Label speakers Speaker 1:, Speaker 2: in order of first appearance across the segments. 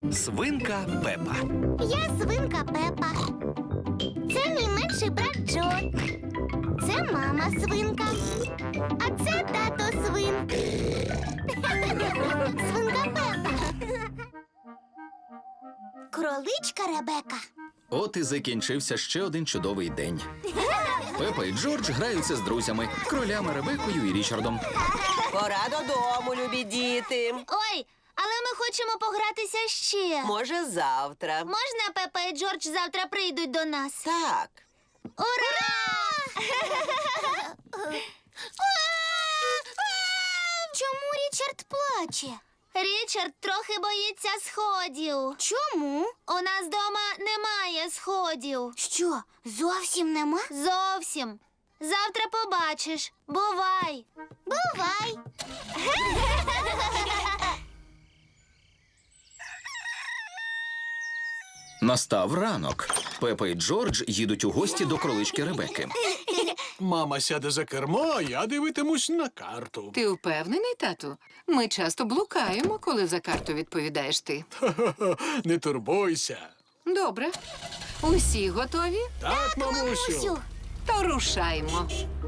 Speaker 1: Свинка Пепа.
Speaker 2: Я свинка Пепа. Це мій менший брат Джо. Це мама свинка. А це тато свин. Свинка Пепа. Кроличка Ребека.
Speaker 1: От і закінчився ще один чудовий день. Пепа і Джордж граються з друзями, кролями Ребекою і Річардом.
Speaker 3: Пора додому, любі діти.
Speaker 2: Ой, але ми хочемо погратися ще.
Speaker 3: Може, завтра.
Speaker 2: Можна Пепа і Джордж завтра прийдуть до нас?
Speaker 3: Так.
Speaker 2: Ура! Чому Річард плаче? Річард трохи боїться сходів. Чому? У нас вдома немає сходів. Що, зовсім нема? Зовсім. Завтра побачиш. Бувай. Бувай.
Speaker 1: Настав ранок. Пепа і Джордж їдуть у гості до кролички Ребеки.
Speaker 4: Мама сяде за кермо, а я дивитимусь на карту.
Speaker 5: Ти впевнений, тату? Ми часто блукаємо, коли за карту відповідаєш ти.
Speaker 4: Не турбуйся.
Speaker 5: Добре. Усі готові?
Speaker 4: Так, мамусю.
Speaker 5: То рушаймо.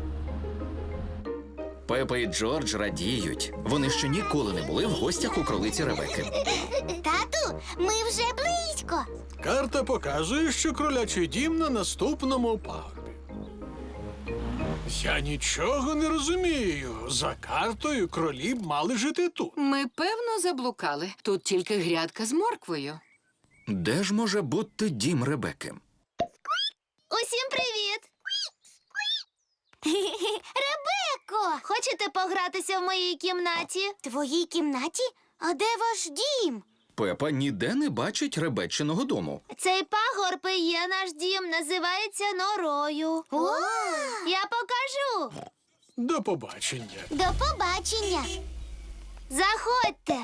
Speaker 1: Пепа і Джордж радіють. Вони ще ніколи не були в гостях у кролиці Ребеки.
Speaker 2: Тату, ми вже близько.
Speaker 4: Карта показує, що кролячий дім на наступному пагорбі. Я нічого не розумію. За картою кролі б мали жити тут.
Speaker 5: Ми, певно, заблукали. Тут тільки грядка з морквою.
Speaker 1: Де ж може бути дім Ребеки?
Speaker 2: Усім привіт! Ребеко! Хочете погратися в моїй кімнаті? Твоїй кімнаті? А де ваш дім?
Speaker 1: Пепа ніде не бачить Ребечиного дому.
Speaker 2: Цей пагорб і є наш дім, називається норою. Я покажу.
Speaker 4: До побачення.
Speaker 2: До побачення. Заходьте.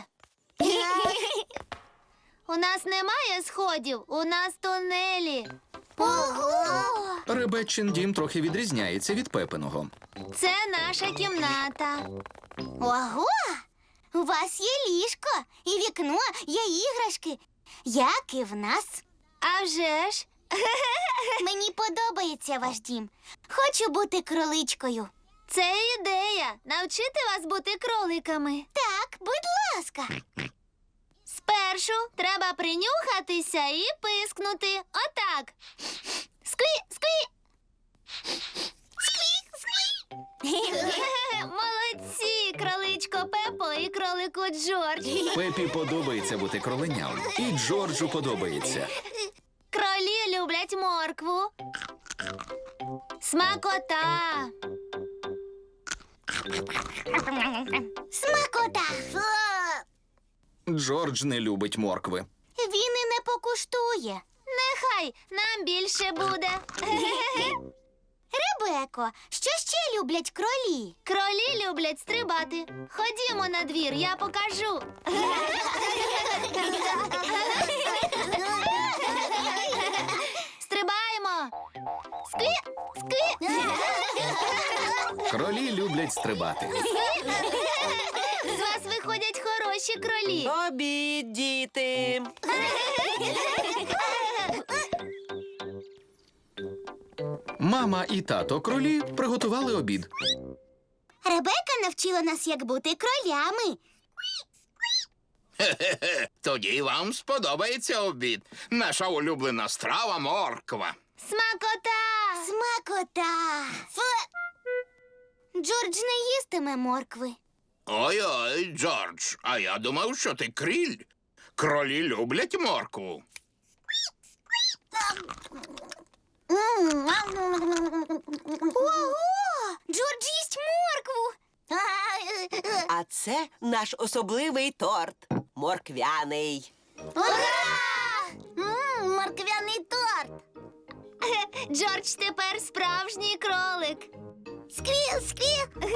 Speaker 2: У нас немає сходів, у нас тунелі. Ого!
Speaker 1: Ребечин дім трохи відрізняється від Пепиного.
Speaker 2: Це наша кімната. Ого! У вас є ліжко, і вікно, є іграшки, як і в нас. А вже ж. Мені подобається ваш дім. Хочу бути кроличкою. Це ідея. Навчити вас бути кроликами. Так, будь ласка. Спершу треба принюхатися і пискнути. Отак. Скві, скві. Скві, скві. Молодці, кроличко Пепо і кролику Джордж.
Speaker 1: Пепі подобається бути кроленям. І Джорджу подобається.
Speaker 2: Кролі люблять моркву. Смакота. Смакота.
Speaker 1: Джордж не любить моркви.
Speaker 2: Він і не покуштує. Нехай нам більше буде. Ребеко, що ще люблять кролі? Кролі люблять стрибати. Ходімо на двір, я покажу. Стрибаємо. Скві, скві.
Speaker 1: Кролі люблять стрибати.
Speaker 2: З вас виходять хороші кролі.
Speaker 3: Обід, діти.
Speaker 1: Мама і тато кролі приготували обід.
Speaker 2: Ребека навчила нас, як бути кролями.
Speaker 6: Тоді вам сподобається обід. Наша улюблена страва – морква.
Speaker 2: Смакота! Смакота! Джордж не їстиме моркви.
Speaker 6: Ой-ой, Джордж, а я думав, що ти кріль. Кролі люблять моркву.
Speaker 2: Ого! Джордж їсть моркву!
Speaker 3: А це наш особливий торт. Морквяний.
Speaker 2: Ура! Морквяний торт! Джордж тепер справжній кролик. Сквіл, сквіл!